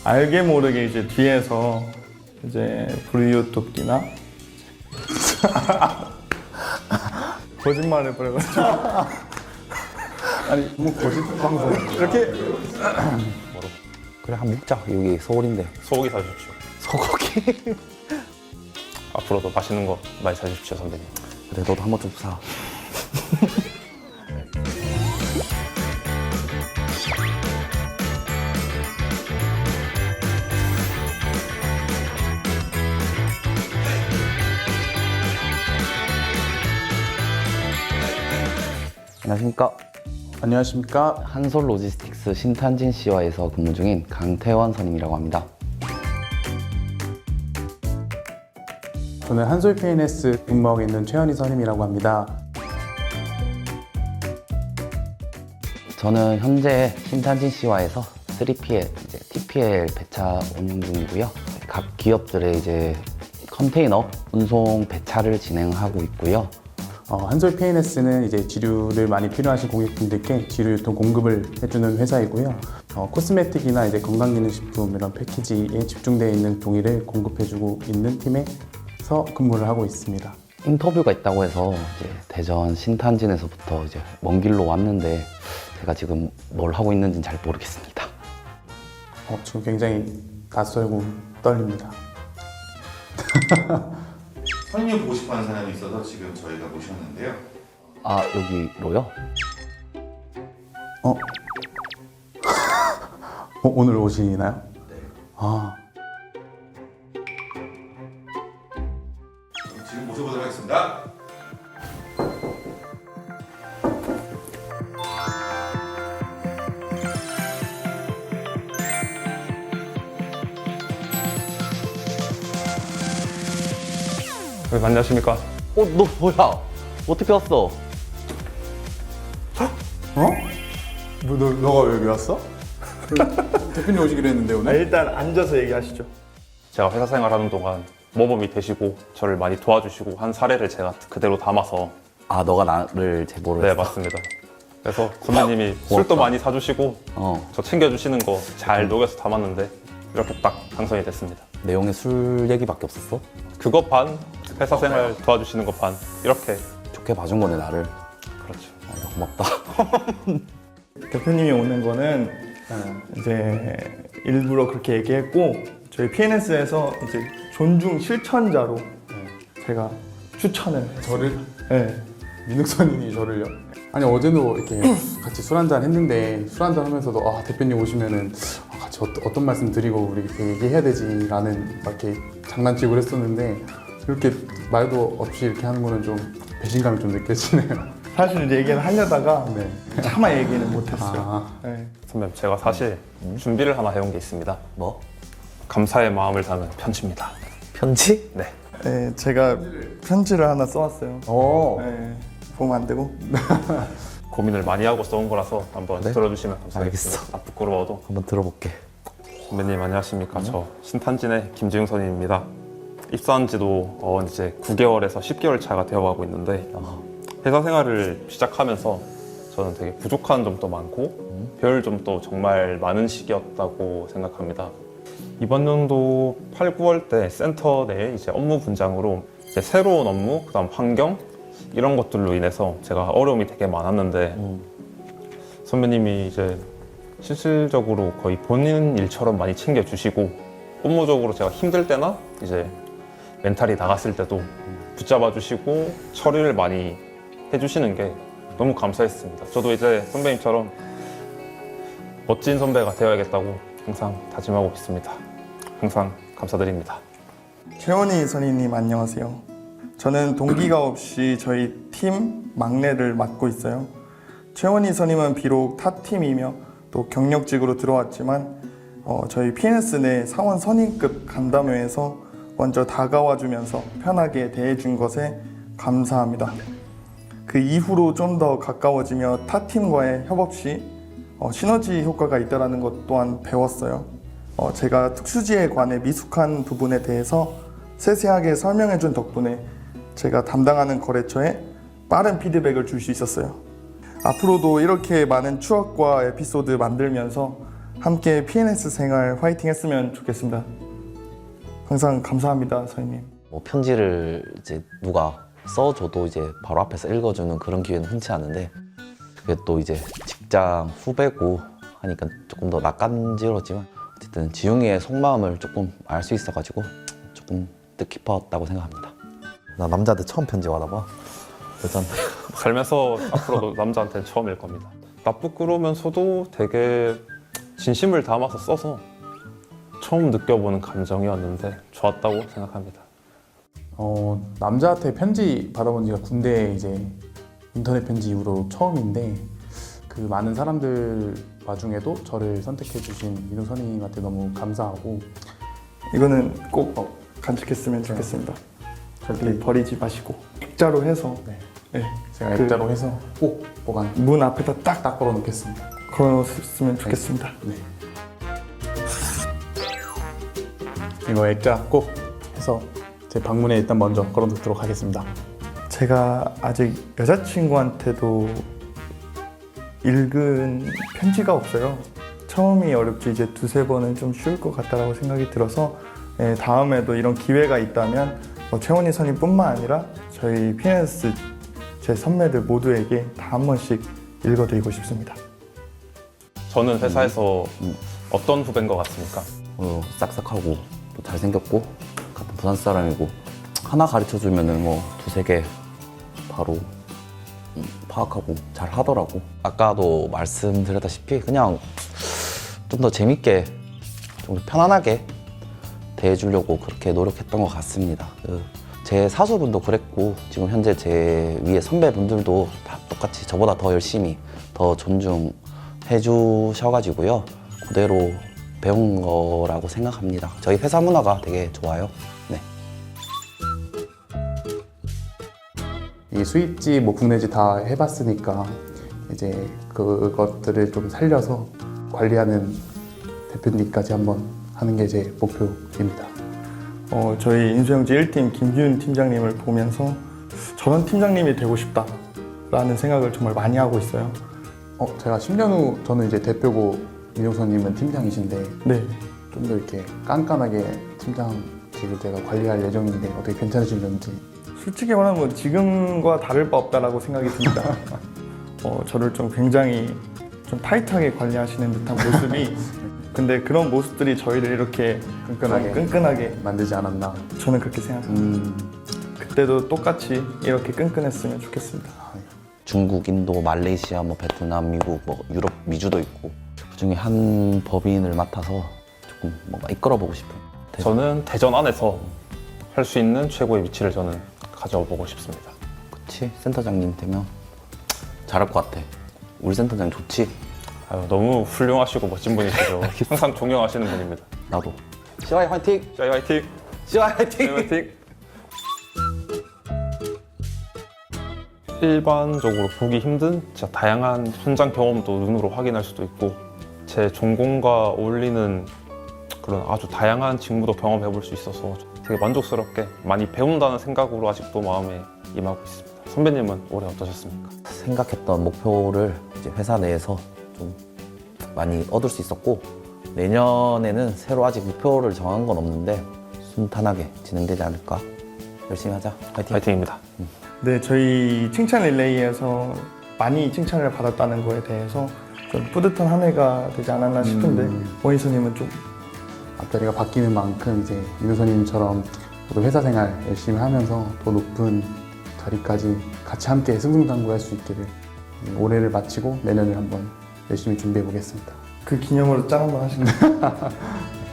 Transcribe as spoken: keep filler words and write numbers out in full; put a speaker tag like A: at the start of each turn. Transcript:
A: 알게 모르게 이제 뒤에서 이제 브이유튜브나 거짓말을 버려가지고
B: 아니 뭐 거짓 방송
A: 이렇게
C: 그래, 한 먹자. 여기 서울인데.
D: 소고기 사주십시오.
C: 소고기.
D: 앞으로도 맛있는 거 많이 사주십시오, 선배님.
C: 그래, 너도 한번 좀 사. 안녕하십니까.
B: 안녕하십니까.
C: 한솔 로지스틱스 신탄진 씨와에서 근무 중인 강태원 선임이라고 합니다.
B: 저는 한솔 피엔에스 근무하고 있는 최현희 선임이라고 합니다.
C: 저는 현재 신탄진 씨와에서 쓰리피엘, 이제 티피엘 배차 운영 중이고요. 각 기업들의 이제 컨테이너 운송 배차를 진행하고 있고요.
B: 어, 한솔 피엔에스는 이제 지류를 많이 필요하신 고객분들께 지류 유통 공급을 해주는 회사이고요. 어, 코스메틱이나 이제 건강기능식품 이런 패키지에 집중되어 있는 종이를 공급해주고 있는 팀에서 근무를 하고 있습니다.
C: 인터뷰가 있다고 해서 이제 대전 신탄진에서부터 이제 먼 길로 왔는데 제가 지금 뭘 하고 있는지는 잘 모르겠습니다.
B: 어, 지금 굉장히 낯설고 떨립니다.
E: 선임이 보고 싶어하는 사람이 있어서 지금 저희가 모셨는데요.
C: 아, 여기로요?
B: 어? 어 오늘 오시나요? 네. 아,
E: 지금 모셔보도록 하겠습니다.
D: 네, 안녕하십니까.
C: 어, 너 뭐야? 어떻게 왔어?
B: 어? 뭐, 너, 너가 왜 여기 왔어? 대표님 오시기로 했는데
A: 아,
B: 오늘?
A: 일단 앉아서 얘기하시죠.
D: 제가 회사 생활하는 동안 모범이 되시고 저를 많이 도와주시고 한 사례를 제가 그대로 담아서.
C: 아, 너가 나를 제보를
D: 네,
C: 했어?
D: 맞습니다. 그래서 선배님이 술도 많이 사주시고
C: 어,
D: 저 챙겨주시는 거 잘 녹여서 담았는데 이렇게 딱 당선이 됐습니다.
C: 내용에 술 얘기밖에 없었어?
D: 그거 반, 회사 생활 도와주시는 거 반, 이렇게.
C: 좋게 봐준 거네, 나를.
D: 그렇죠.
C: 아, 고맙다.
A: 대표님이 오는 거는 이제 일부러 그렇게 얘기했고 저희 피엔에스에서 이제 존중 실천자로 제가 추천을 했어요.
B: 저를?
A: 네.
B: 민욱선님이 저를요? 아니 어제도 이렇게 같이 술 한잔 했는데 술 한잔 하면서도 아 대표님 오시면은 아, 같이 어떤, 어떤 말씀 드리고 우리 이렇게 얘기해야 되지 라는 막 이렇게 장난치고 그랬었는데 이렇게 말도 없이 이렇게 하는 거는 좀 배신감이 좀 느껴지네요.
A: 사실 이제 얘기를 하려다가
B: 네.
A: 차마 얘기는 못했어요.
B: 아,
A: 네.
D: 선배님, 제가 사실 준비를 하나 해온 게 있습니다.
C: 뭐?
D: 감사의 마음을 담은 편지입니다.
C: 편지?
D: 네.
A: 네, 제가 편지를 하나 써왔어요.
C: 어.
A: 네, 보면 안 되고.
D: 고민을 많이 하고 써온 거라서 한번
C: 그래?
D: 들어주시면 감사하겠습니다.
C: 알겠어.
D: 아, 부끄러워도.
C: 한번 들어볼게.
D: 선배님 안녕하십니까. 저 신탄진의 김지웅 선임입니다. 입사한 지도 어, 이제 구 개월에서 십 개월 차가 되어가고 있는데
C: 어.
D: 회사 생활을 시작하면서 저는 되게 부족한 점도 많고 배울 점도 정말 많은 시기였다고 생각합니다. 이번 연도 팔, 구월 때 센터 내 이제 업무 분장으로 이제 새로운 업무, 그다음 환경 이런 것들로 인해서 제가 어려움이 되게 많았는데
C: 음.
D: 선배님이 이제 실질적으로 거의 본인 일처럼 많이 챙겨주시고 업무적으로 제가 힘들 때나 이제 멘탈이 나갔을 때도 붙잡아 주시고 처리를 많이 해주시는 게 너무 감사했습니다. 저도 이제 선배님처럼 멋진 선배가 되어야겠다고 항상 다짐하고 있습니다. 항상 감사드립니다.
A: 최원희 선임님 안녕하세요. 저는 동기가 없이 저희 팀 막내를 맡고 있어요. 최원희 선임은 비록 타 팀이며 또 경력직으로 들어왔지만 어, 저희 피엔에스 내 사원 선임급 간담회에서 먼저 다가와 주면서 편하게 대해준 것에 감사합니다. 그 이후로 좀 더 가까워지며 타 팀과의 협업 시 어, 시너지 효과가 있다는 것 또한 배웠어요. 어, 제가 특수지에 관해 미숙한 부분에 대해서 세세하게 설명해 준 덕분에 제가 담당하는 거래처에 빠른 피드백을 줄 수 있었어요. 앞으로도 이렇게 많은 추억과 에피소드 만들면서 함께 피엔에스 생활 화이팅 했으면 좋겠습니다. 항상 감사합니다, 선생님.
C: 뭐 편지를 이제 누가 써줘도 이제 바로 앞에서 읽어주는 그런 기회는 흔치 않은데 그게 또 이제 직장 후배고 하니까 조금 더 낯간지러웠지만 어쨌든 지웅이의 속마음을 조금 알 수 있어가지고 조금 뜻깊었다고 생각합니다. 나 남자한테 처음 편지 받아봐. 여자한테.
D: 살면서 앞으로도 남자한테는 처음일 겁니다. 나쁘끄러우면서도 되게 진심을 담아서 써서 처음 느껴보는 감정이었는데 좋았다고 생각합니다.
B: 어, 남자한테 편지 받아본 지가 군대 이제 인터넷 편지 이후로 처음인데 그 많은 사람들 와중에도 저를 선택해 주신 민호 선생님한테 너무 감사하고
A: 이거는 꼭 간직했으면 좋겠습니다. 절대 버리지 마시고 액자로 해서
B: 네,
A: 네,
B: 제가
A: 그-
B: 액자로 해서 꼭 보관
A: 문 앞에다 딱
B: 딱 걸어 놓겠습니다.
A: 걸어놓으면 좋겠습니다.
B: 네. 이거 액자 꼭 해서 제 방문에 일단 먼저 걸어 놓도록 하겠습니다.
A: 제가 아직 여자친구한테도 읽은 편지가 없어요. 처음이 어렵지 이제 두세 번은 좀 쉬울 것 같다라고 생각이 들어서 예, 다음에도 이런 기회가 있다면 뭐 최원희 선임뿐만 아니라 저희 피엔에스 제 선배들 모두에게 다 한 번씩 읽어드리고 싶습니다.
D: 저는 회사에서
C: 음.
D: 어떤 후배인 것 같습니까?
C: 어, 싹싹하고 또 잘생겼고 같은 부산 사람이고 하나 가르쳐주면은 뭐 두세 개 바로 음, 파악하고 잘 하더라고. 아까도 말씀드렸다시피 그냥 좀 더 재밌게 좀 편안하게 대해주려고 그렇게 노력했던 것 같습니다. 그 제 사수분도 그랬고 지금 현재 제 위에 선배분들도 다 똑같이 저보다 더 열심히 더 존중해 주셔가지고요. 그대로 배운 거라고 생각합니다. 저희 회사 문화가 되게 좋아요. 네.
B: 이 수입지 뭐 국내지 다 해봤으니까 이제 그것들을 좀 살려서 관리하는 대표님까지 한번 하는 게 제 목표입니다.
A: 어, 저희 인수영지 일 팀 김기훈 팀장님을 보면서 저런 팀장님이 되고 싶다라는 생각을 정말 많이 하고 있어요.
B: 어, 제가 십 년 후 저는 이제 대표고 민호선님은 팀장이신데
A: 네,
B: 좀 더 이렇게 깐깐하게 팀장직을 제가 관리할 예정인데 어떻게 괜찮으실런지.
A: 솔직히 말하면 지금과 다를 바 없다라고 생각이 듭니다. 어, 저를 좀 굉장히 좀 타이트하게 관리하시는 듯한 모습이 근데 그런 모습들이 저희를 이렇게
B: 끈끈하게.
A: 좀 끈끈하게
B: 만들지 않았나.
A: 저는 그렇게 생각합니다.
B: 음,
A: 그때도 똑같이 이렇게 끈끈했으면 좋겠습니다.
C: 중국, 인도, 말레이시아, 뭐 베트남, 미국, 뭐 유럽, 미주도 있고 그중에 한 법인을 맡아서 조금 뭔가 이끌어보고 싶은.
D: 저는 대전 안에서 할 수 있는 최고의 위치를 저는 가져보고 싶습니다.
C: 그치? 센터장님 되면 잘할 것 같아. 우리 센터장 좋지?
D: 아유, 너무 훌륭하시고 멋진 분이시죠. 항상 존경하시는 분입니다.
C: 나도. 시와이 화이팅!
D: 짜이 화이팅!
C: 시와이
D: 짜이
C: 화이팅!
D: 화이팅! 일반적으로 보기 힘든 진짜 다양한 현장 경험도 눈으로 확인할 수도 있고 제 전공과 어울리는 그런 아주 다양한 직무도 경험해 볼 수 있어서 되게 만족스럽게 많이 배운다는 생각으로 아직도 마음에 임하고 있습니다. 선배님은 올해 어떠셨습니까?
C: 생각했던 목표를 이제 회사 내에서 좀 많이 얻을 수 있었고 내년에는 새로 아직 목표를 정한 건 없는데 순탄하게 진행되지 않을까. 열심히 하자. 화이팅!
D: 화이팅입니다.
A: 네, 저희 칭찬 릴레이에서 많이 칭찬을 받았다는 거에 대해서 좀 뿌듯한 한 해가 되지 않았나 싶은데
B: 음.
A: 원희선님은 좀
B: 앞자리가 바뀌는 만큼 이제 민호선님처럼 저도 회사 생활 열심히 하면서 더 높은 자리까지 같이 함께 승승장구할 수 있기를 올해를 마치고 내년을 한번 열심히 준비해 보겠습니다.
A: 그 기념으로 짠 한번 하실까요?